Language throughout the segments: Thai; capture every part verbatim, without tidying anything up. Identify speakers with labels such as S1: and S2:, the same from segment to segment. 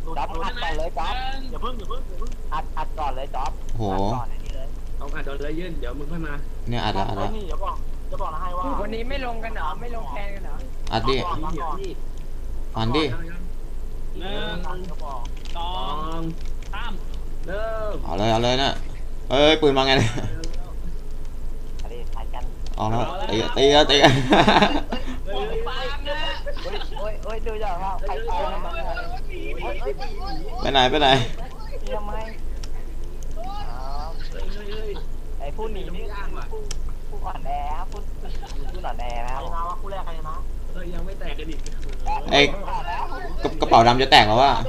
S1: จ๊อบอัดก่อนเลยจ๊อบ
S2: อย่าเพิ่งอย่าเพิ่งอย่าเพิ่ง
S1: อัดอัดก่อนเลยจ๊อบ
S3: โห
S1: ก่อนอันนี้เลย
S4: เอาอัดโดนเลยยื่นเดี๋ยวมึงค่อยมา
S3: เนี่ยอัดละอัดละ
S2: นี่เดี๋ยวบอกจะบอกนะให้ว่า
S5: วันนี้ไม่ลงกันเหรอไม่ลงแทนกันเหรอ
S3: อัดดิอัดดิ
S2: หนึ่งสองสามเริ่ม
S3: เอาเลยเอาเลยนะเอ้ยปืนมาไงเนี่ย
S1: อะไรถ่ายกัน
S3: เอาแล้วตีตีแล้วตีกัน
S1: โอ้ยโอ้ยดูอย่างว่าใครตายมัน
S3: ไปไหนไปไหน
S1: ทำไมไอ้ผู้หนีนี่ผู้อ่อนแอผู้ผู้อ่อนแอนะครับ
S2: นะว่าคู่แรกใครนะ
S4: เอ้ยยังไม่แตกกันอีก
S3: ไอ้กระเป๋าดำจะแตกแล้วว่า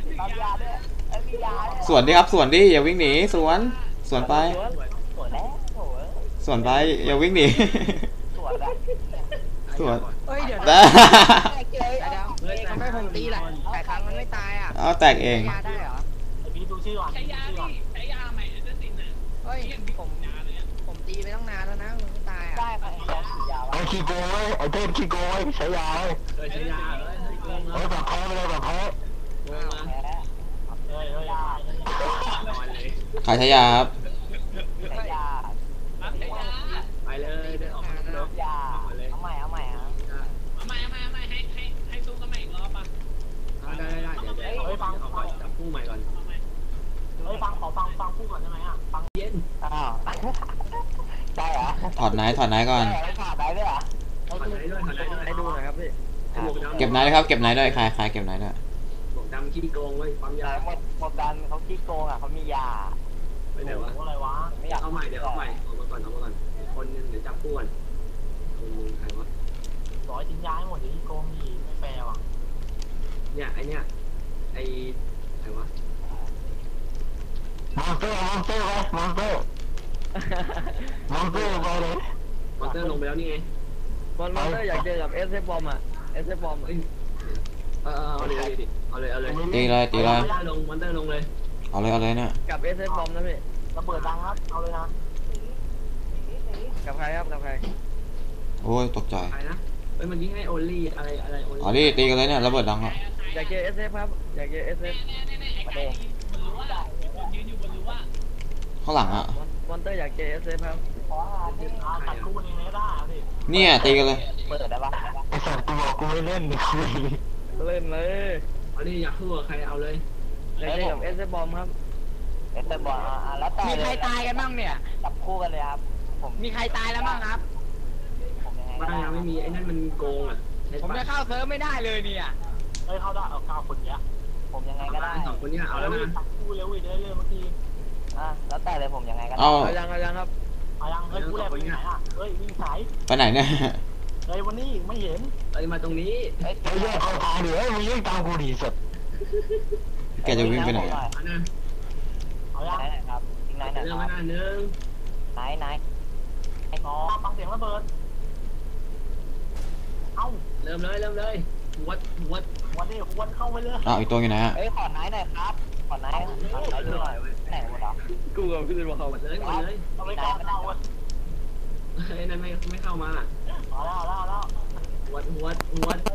S3: สวนดิครับสวนดิอย่าวิ่งหนีสวนสวนไปสวนไปอย่าวิ่งหนีสวน
S5: เฮ้ยเดี๋ยวทำไมผมตีล่ะแต่ครั้งมันไม่ตายอ่ะ
S3: เอาแตกเอง
S5: ได้เหรอ
S2: ไอพี่ดูชื่อก่อน
S5: ใช้ยาใช้ยาใหม่จะติดน่ะเฮ้ยผมผมตีไปตั้งนานแล้วนะมันไม่ตายอ่ะ
S1: ได้ไป
S6: ไอ้ขี้โกยไอ้เทพขี้โกยใช้ยาเลย
S4: ใช้ยาเลย
S6: ไอ้แบบเขาเลยแบบเขา
S3: ใครใช้ยาครับ
S1: ใช้ยา
S4: ไปเลยเดินออกมาเดิน
S1: ยาเอาใหม่เอาใหม่ครับ
S5: เอาใหม่เอาใหม่เอาใหม่ให้ให้ให้สู้กันใหม่อีกรอบป่ะ
S4: ได้ได้ได้เดี๋ยวเดี๋ยวเฮ้ยฟังเอาก่อนจับคู่ใหม่ก่อน
S2: เฮ้ยฟังขอฟังฟังคู่ก่อนได้ไหมอ่ะฟัง
S4: เย็น
S1: อ้าวใช่เหรอ
S3: ถอดไหนถอดไหนก่อน
S1: ถอดไหนด้วยเหรอ
S4: ถอดไหนด้วยถอดไหนด้วย
S5: ให้ดูหน่อยครับพี่
S3: เก็บไหนครับเก็บไหนด้วยใครใครเก็บไหนด้วย
S4: หมวกดำขี้โกงไว้ปั๊มยา
S1: หมดหมดดันเขาขี้โกงอ่ะเขามียา
S4: ไปไหนวะ
S2: อะไรวะ
S1: ไม่อยาก
S4: เอาใหม่เดี๋ยวเอาใหม่เอามาก่อนเอามาก่อนคนนึงเดี๋ยวจับคู่กันคนนึงใครวะ
S2: ร้อยทิ้งย้ายหมดเดี๋ยวขี้โกงดีไม่แฟร์ว่ะ
S4: เนี่ยไอเนี่ยไอใครวะ
S6: มอนเตอร์มอนเตอร์ไปมอนเตอร์มอนเตอร์ไปเลย
S4: มอนเตอร์ลงไปแล้วนี่ไง
S5: มอนเตอร์อยากเจอกับเอสเอฟบอมอ่ะเอสเอฟบอม
S4: เอ้ยเออเอาเลยเอาเลยเอาเลย
S3: ตีเลยตีเลย
S4: ลงมอนเตอร์ลงเลย
S3: เอาเลยเอาเลยเนี่ย
S5: กับเอสเอฟบอมนะพี่
S2: ระเบิดดังครับเอาเลยนะ
S5: กับใครครับกับใคร
S3: โอ้ยตกใจ
S4: ใครนะเอ้ยเมื่อกี้ให้โอลี่อะไรอะไรโอลี่
S3: อ๋อนี่ตีกันเลยเนี่ยระเบิดดังครับ
S5: อยากเจอเอสเอฟครับอยากเจอเอสเอฟ
S1: ประเด็น
S3: ข้างหลังอ่ะ
S5: มอนเตอร์อยากเจอเอสเอฟครับ
S2: ตัดคู่นี้ไม่ได้พี่
S3: เนี่ยตีกันเลย
S1: เปิดได้ปะ
S6: ไอ้สัตว์กูบอกกูไม่เล่นเลยคุย
S5: เล่นเลย
S4: อันนี้อยากคู่กับใครเอาเลย
S5: อยากเจอกับเอสเอฟบอมครับ
S1: เอสเอฟบอมอ่ะแล้วแต่
S5: มีใครตายกันบ้างเนี่ย
S1: จับคู่กันเลยครับ
S5: ผมมีใครตายแล้วบ้างครับ
S1: ผมยังไงก็
S4: ได้ยังไม่มีไอ้นั่นมันโกงอ่ะ
S5: ผมจะเข้าเซิร์ฟไม่ได้เลยเนี่ย
S2: เฮ้ยเข้าได้เอาเก้าคนเนี้ย
S1: ผมยังไงก็ได้
S4: สองคนนี้เอาแล้วนะ
S2: คู่เร็วอีกได้เลยเมื่อกี้
S1: อ่ะแล้วแต่เลยผมยังไงก็ได้
S3: เอา
S5: ยังยังครับ
S2: เอายังเฮ้ยคู่แรกไปไหนอ่ะเฮ้ยวิ่งสาย
S3: ไปไหนเนี่ย
S2: เฮ้ยวันนี้ไม่เห็น
S4: เอ้ยมาตรงนี้
S6: ไอ้เรื่องเขาตามดิเฮ้ยมึงยิ่งตามกูดีสุด
S3: แกจะวิ่งไปไหน
S2: เอายัง
S1: ครับยิงไหนไหน
S4: เรื่องมาหน้าหนึ่ง
S1: ไหนไหน
S2: ไอ้อ๋อฟังเสียงระเบิดเอ้า
S4: เริ่มเลยเริ่มเลยวัดวัด
S2: วันนี้วัดเข้าไปเลย
S3: อ้าวอีกตัวอยู่ไหนฮะ
S1: เฮ้ยขอไหนหน่อยครับขอไหนขอไหนดูหน่อยไหนหมดอ่ะ
S5: กูกับพี่บอกเขา
S4: หมดเลยหมดเลย
S2: เอาไปก่อนเอาไว้
S4: ไอ้นั่นไม่ไม่เข้ามา
S2: เอาแล้วเอาแล้ว
S4: วัดวัดวัด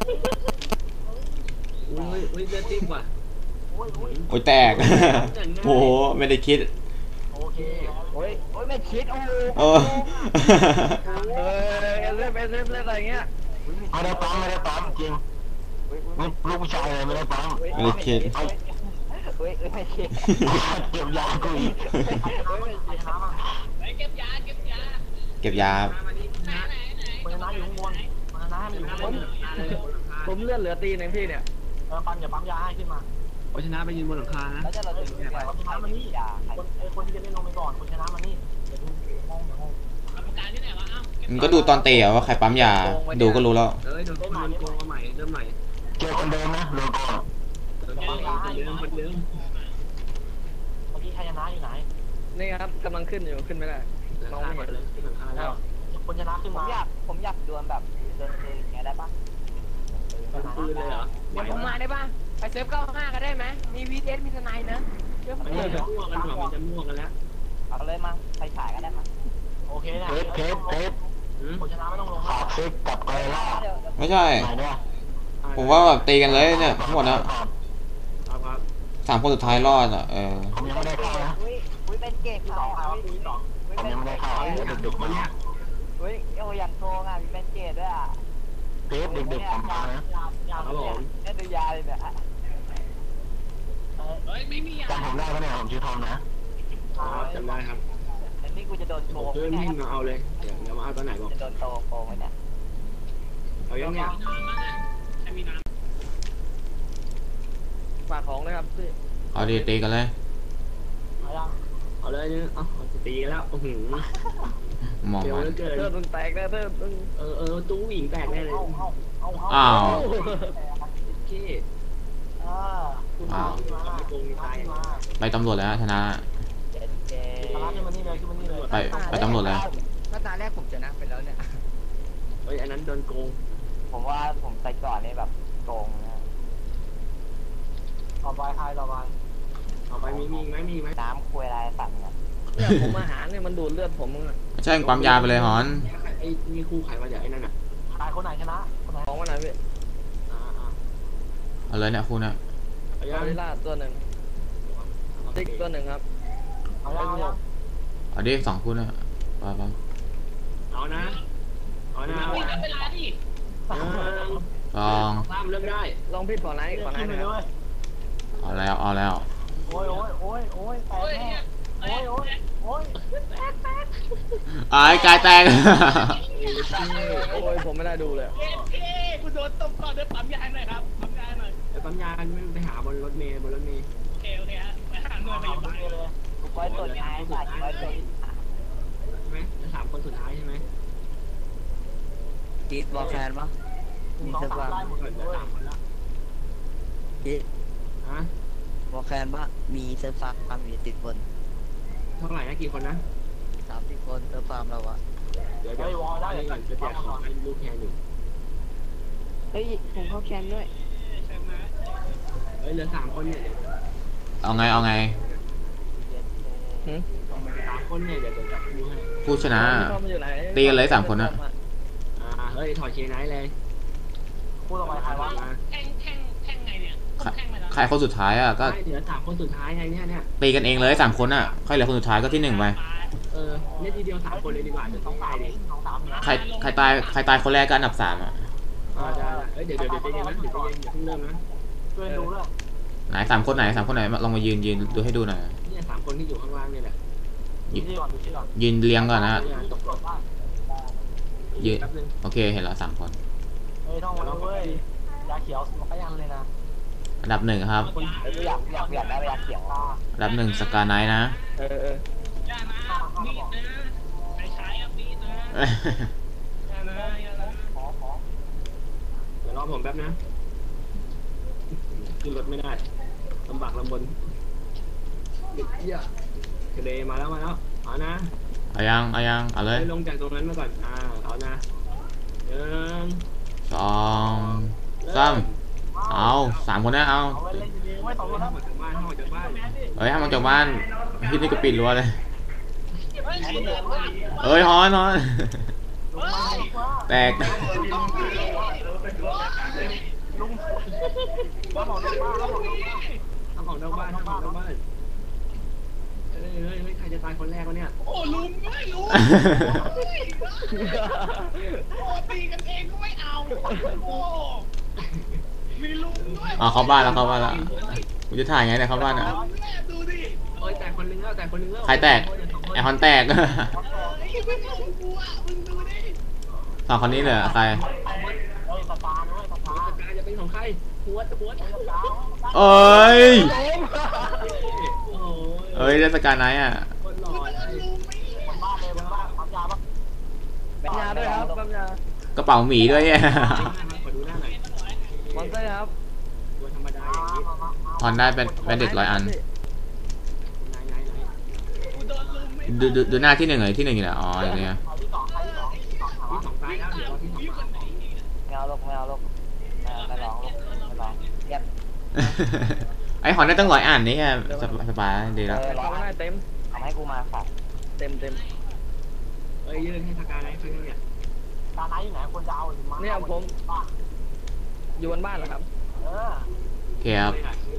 S4: อุ้ยอุ้ยเลือดติ๊กว่ะ
S2: โอ้ย
S3: โอ้ยแตกโอ้โหไม่ได้คิด
S2: โอเค
S1: โอ้ยโอ้ยไม่คิดโอ้
S3: เออ
S5: เออเล่นเล่นเล่นอะไรเงี้ย
S6: ไม่ได้ปั๊มไม่ได้ปั๊มจริงลูกผู้ชายเลยไม่ได้ปั๊ม
S3: ไม่ได้คิด
S1: เฮ้ยไม่คิด
S6: เก็บยากูอีก
S5: เก็บยาเก็บยา
S3: เก็บยา
S2: มันน้าอยู่ข้างบนมันน้าอยู่ข้างบน
S5: ผมเลือดเหลือตีหนึ่งพี่เนี่ย
S2: เออปั๊มอย่าปั๊มยาให้ขึ้นมา
S4: คนชนะไปยืนบนหลังคานะ
S1: แล้วจะเราถึงเนี่ย
S2: คนชนะมานี่คนไอ้คนที่จะเล่นลงไปก่อนคนชนะมานี่เดี๋ยวดูห้องเดี๋ยวห้อง
S5: การที่ไหนวะอ้าว
S3: มันก็ดูตอนเตะว่าใครปั๊มยาดูก็รู้แล้ว
S4: เอ้ยโดนโดนโกงมาใหม่เริ่มใหม่
S6: เจอคนเดิมนะโลโก้
S4: คนเดิมคนเดิมคนเดิม
S2: เมื่อกี้ใครชนะอยู่ไหน
S5: นี่ครับกำลังขึ้นอยู่ขึ้นไม่ได้
S4: มองไม่เห็นเลยขึ้นหลังคาแล้ว
S2: คนชนะขึ้น
S1: ผมอยากผมอยากดวลแบบเดินปืนอย่างเงี้ยได้ปะ
S4: ปืนเลยเหรอ
S5: เดี๋ยวผมมาได้ปะไปเซิร์ฟเก้าห้ากันได้ไหมมีวีเอสมีสไนนะ
S4: เดี๋ยวมันจะมั่วกันหรอมันจะมั่วกันแล้ว
S1: เอาเลยมาไปฉายกันได้มั้ย
S2: โอเคนะ
S6: เทปเทปเทป
S2: คนชนะไม่ต้องลง
S6: ฝากซิกกับไกล่า
S3: ไม่ใช่ผมว่าแบบตีกันเลยเนี่ยทั้งหมดนะ
S4: เอา
S3: สามคนสุดท้ายรอดอ่ะเออ
S6: ผมยังไม่ได้เข้านะ
S1: อุ้ยอุ้ยเป็นเกต
S4: ส
S1: เขา
S4: องใคร
S1: อ่ะ
S4: วะปีสอง
S1: อุ้ย
S6: ผม
S1: เป็น
S6: ยังไม่ได้เข้า
S1: เก
S6: เดี๋ยวดึกๆมาเนี่ย
S1: อุ้ยโอ้อย่างโกงอ่ะมีเป็นเกตด้วยอ่ะ
S6: เทปดึกๆผมมานะ
S4: ครับผม
S1: เนี่ยดูยาเลยเนี่ย
S2: เฮ้ยไม่มีอ่ะ
S6: จำผมได้ปะเนี่ยผมชื่อทอมนะ
S4: ครับจำได้ครับ
S1: อันนี้กูจะโดนโก
S4: ผม
S1: ง
S4: เพื่อน
S1: ไหม
S4: วิ่ง
S1: เนี่ย
S4: มาเอาเลยเดี๋ยวเดี๋ยวมาเอาตอนไหนบอก
S1: จะโดนโตโกงไหมเนี่ย
S4: เอายังเนี่ย
S2: น้ำมั้งอ่ะใครมีน้
S5: ฝากของเลยครับพี่
S3: เอาดีตีกันเลย
S4: เอายังเอาเลยเนี่ยเอาเอาตีกันแล้วโอ้โห
S3: มอง
S4: เร็ว
S3: มัน
S4: เหลือเกิน
S5: เธอตึงแตกแน่เธอตึง
S4: เออเออตู้หญิงแตกแน่เลย
S3: อ้าว
S4: โอเค
S1: อ่า
S4: คุณมาไม่โกงมีตายอย่าง
S3: ไปตำรวจแล้วชนะ
S1: เจ็ดเจ
S3: ไปไปตำรวจแล้ว
S5: ก็ตาแรกผมชนะไปแล้วเนี่ย
S4: เฮ้ยอันนั้นโดนโกง
S1: ผมว่าผมใส่ก่อนนี่แบบโกงนะต่อไปใครต่อไป
S4: เอาไปมีมีไหมมีไหม
S1: น้ำคุยอะไรสั่งเนี่ย
S5: เนี่ยผมอาหารเนี่ยมันดูดเลือดผมมึงอะ
S3: ไม่ใช่ปั๊มยาไปเลยฮอน
S4: ไอ้นี่คู่ใครมาจากไอ้นั่นอ่ะ
S1: ใครคนไหนชนะคนไหน
S5: ของมันไหนพี่
S4: อ่าอ่า
S3: เอาเลยเนี่ยคุณนะ
S4: เอา
S5: ก
S4: ยั
S5: องริลลาตัวหนึ่งติ๊กตัวหนึ่งครับ
S1: เอายังเอายัง
S3: เอาดิสองคุณนะไปไป
S4: เอานะเอา
S2: ำ
S4: นะ
S2: น้ำมีน้ำเวลาดิ
S4: เออ
S3: ลอง
S4: ตามเริ่มได้
S5: ลองพี่ขอไหนขอไหนหน่อยครับ
S3: เอาแล้วเอาแล้ว
S1: โอ้ยโอ้ยโอ้ยโอ้ยแตก
S2: โอ้ย
S1: แน่
S2: เนี่ยเอ้ย
S1: โอ้ยโอ้ย
S3: ไอ้กายแตก
S5: โอ้ยผมไม่ได้ดูเลย
S2: เอฟเคกูโดนตบก่อนเดินปั๊มยาหน่อยครับปั๊มยาหน่อย
S4: ไปปั๊มยากันไม่ไปหาบนรถเมล์บนรถเมล์
S2: โอเคโอเคฮะไปหาหน่วยพยาบาล
S1: กูไว้ตรวจท้ายสัตว์ไว้ตรวจ
S4: ใช่ไหมจะสามคนสุดท้ายใช่ไหม
S5: จีดบอกแฟนปะมีสักวัน
S4: เหลือสามคนละ
S5: จีด
S4: ฮะ
S5: บอกแฟนปะมีเซิร์ฟฟาร์มมีติดคน
S4: เท่าไหร่นะกี่คนนะ
S5: สามสิบคนเซิร์ฟฟาร์มเราอะ
S4: เดี๋ยวเดี๋ยวอันนี้ก่อนจะแจกของให้ลูกแทนอยู่
S5: เฮ้ยผมเข้าแคนด้วย
S2: ใช่ไหม
S4: เฮ้ยเหลือสามคนเนี่ย
S3: เอาไงเอาไง
S4: สามคนเนี่ยเดี๋ยวเดี๋ยวจับคู่ให้
S3: ผู้ชนะ
S5: เข้ามาอยู่ไหน
S3: ตีกันเลยสามคนอะ
S4: อ่าเฮ้ยถอดเชนไนท์เลย
S1: พูดออกไปใครวะ
S2: แท่งแท่งแท่งไงเนี่ยแท่งไปแล้ว
S3: ใครคนสุดท้ายอ่ะก็
S4: ใช่เหลือสามคนสุดท้ายไงเนี่ยเนี่ย
S3: ตีกันเองเลยสามคนอ่ะใครเหลือคนสุดท้ายก็ที่หนึ่งไป
S4: เออเนี่ยทีเดียวสามคนเลยดีกว่าจะต้องตายดิ
S3: ใครใครตายใครตายคนแรกก็อันดับสามอ่ะ
S4: อ่าได้เฮ้ยเดี๋ยวเดี๋ยวเดี๋ยวใจเย็นนะเดี๋ยวใจเย็นอย่าเพิ่งเริ่มนะ
S1: ช่วยดูด้วย
S3: ไหนสามคนไหนสามคนไหนลองมายืนยืนดูให้ดูหน่อย
S4: เนี่ยสามคนที่อยู่ข้างล่างเนี่ยแหละ
S1: ดูที่ก่อนดูที่ก่อน
S3: ยืนเรียงก่อนนะ
S4: เนี่ยตกรถบ้าน
S3: ยืน
S4: แป๊บนึง
S3: โอเคเห็นแล้วสามคน
S1: เฮ้ยท่องมาแล้วเว้ยยาเขียวมันก็ยันเลยนะ
S3: อันดับหนึ่งครับ
S1: เฮ้ยอยากอยากอยากได้ยาเขียว
S3: อันดับหนึ่งสกาไนท์นะ
S5: เออเออ
S2: อย่านะมีดนะไปใช้อ่ะมีดนะอย่านะอย่านะ
S1: ขอขอ
S4: เดี๋ยวรอผมแป๊บนะขึ้นรถไม่ได้ลำบากลำบนเด็กเหี้ยทะเลมาแล้วมาแล้วเอานะ
S3: เอายังเอายังเอาเลย
S4: ลงจากตรงนั้นมาก่อนอ่าเอานะหนึ่ง
S3: สองสามเอาสามคนนะเอา
S1: เอาไว้เล่นจริงๆไม่สองคน
S4: ห้
S1: นะ
S4: องจากบ้านห้องจากบ้าน
S3: เฮ้ยห้ามออกจากบ้านพี่นี่ก็ปิดรั้วเลย
S2: เฮ้ยสีเหลืองว่ะ
S3: เอ้ยฮอนฮอน
S2: เฮ้ย
S3: แตก
S1: ลุงมาบอกลุงมาแล้วบอกลุงมา
S4: ห้องออกนอกบ้านห้องออกนอกบ้านเฮ้ยเฮ้ยเฮ้ยใครจะตายคนแรกวะเนี่ย
S2: โอ้ลุงไม่ลุงโอ้ตีกันเองก็ไม่เอาโอ้มีลุงด้วย
S3: อ๋อเข้าบ้านแล้วเข้าบ้านแล้วกูจะถ่ายไงเนี่ยเข้าบ้านอ่ะ
S2: ดูดิ
S4: โอ้ยแต่คนนึงแล้วแต่คนนึงแล้ว
S3: ใครแตกไอฮอนแตก
S2: เฮ้ยไม่ลงกูอ่ะมึงดูดิ
S3: สองคนนี้เหลือใคร
S1: เฮ้ยสปาด้วยสปา
S4: สกายจะเป็นของใครหัวหัว
S3: เอ้ย
S4: โอ้โห
S3: เอ้ยได้สกาไนท์อ่ะ
S4: คนหล่อเลย
S1: บนบ้านเลยบนบ้านปั๊มยาปะ
S5: ปัญญาด้วยครับปัญญาก
S3: ระเป๋าหมีด้วย เนี่ย
S4: ขอดูหน้าหน่อย
S5: มอนเตอร์ครับ
S4: ตัวธรรมดาอย่างนี้
S3: ฮอนได้เป็นแบนเด็ดร้อยอัน
S4: ไหนไหนไหน
S2: กูโดนลุงไม่
S3: ดูดูดูหน้าที่หนึ่งเลยที่หนึ่งอยู่ไหนอ๋ออย่างเนี้ย
S1: เอาที่สองใครที่สองที่สอง
S4: ที่สองตายแล้วเดี๋ยวที่สอง
S2: พี่คนไหน
S1: ไม่เอาลูกไม่เอาลูกไม่ลองลูกไม่ลองเก็บ
S3: ไอฮอนได้ตั้งร้อยอันนี่แค่สบายดีแล้ว
S5: เข้าไม่ได้เต็ม
S1: เอาให้กูมาค่ะ
S5: เต็มเต็ม
S4: เอ้ยยืนให้สกายไลฟ์เพื่อนเนี่ย
S1: ตาไหนอยู่ไหนควรจะเอาหรือมา
S5: เนี่ยผมอยู่บนบ้านเหรอครับ
S1: เออ
S3: โอเคครับ
S4: เ